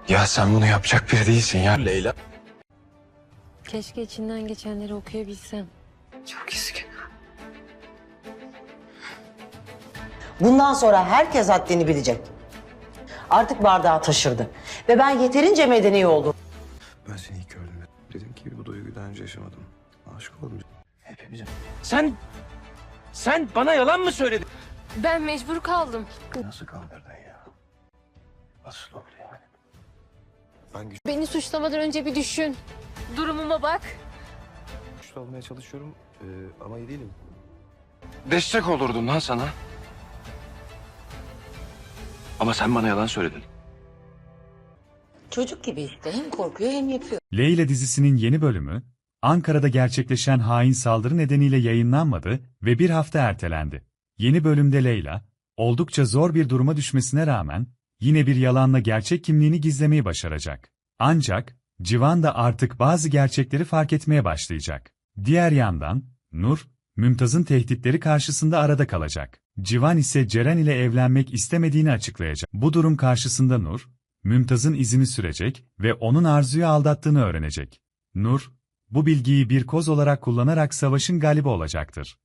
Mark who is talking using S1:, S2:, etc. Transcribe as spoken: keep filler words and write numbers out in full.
S1: Ya sen bunu yapacak biri değilsin ya Leyla.
S2: Keşke içinden geçenleri okuyabilsem.
S1: Çok üzgünüm.
S3: Bundan sonra herkes haddini bilecek. Artık bardağı taşırdı. Ve ben yeterince medeni oldum.
S1: Ben seni ilk gördüğümde dedim ki bu duyguyu daha önce yaşamadım. Aşık oldum. Hepimize.
S4: Sen, sen bana yalan mı söyledin?
S2: Ben mecbur kaldım.
S1: Nasıl kandırdın ya? Nasıl oldu yani? Ben güçlü
S2: Beni suçlamadan önce bir düşün. Durumuma bak.
S1: olmaya çalışıyorum ee, ama iyi değilim.
S4: Destek olurdum lan sana. Ama sen bana yalan söyledin.
S3: Çocuk gibi işte. Hem korkuyor hem yapıyor.
S5: Leyla dizisinin yeni bölümü, Ankara'da gerçekleşen hain saldırı nedeniyle yayınlanmadı ve bir hafta ertelendi. Yeni bölümde Leyla, oldukça zor bir duruma düşmesine rağmen, yine bir yalanla gerçek kimliğini gizlemeyi başaracak. Ancak, Civan da artık bazı gerçekleri fark etmeye başlayacak. Diğer yandan, Nur, Mümtaz'ın tehditleri karşısında arada kalacak. Civan ise Ceren ile evlenmek istemediğini açıklayacak. Bu durum karşısında Nur, Mümtaz'ın izini sürecek ve onun Arzu'yu aldattığını öğrenecek. Nur, bu bilgiyi bir koz olarak kullanarak savaşın galibi olacaktır.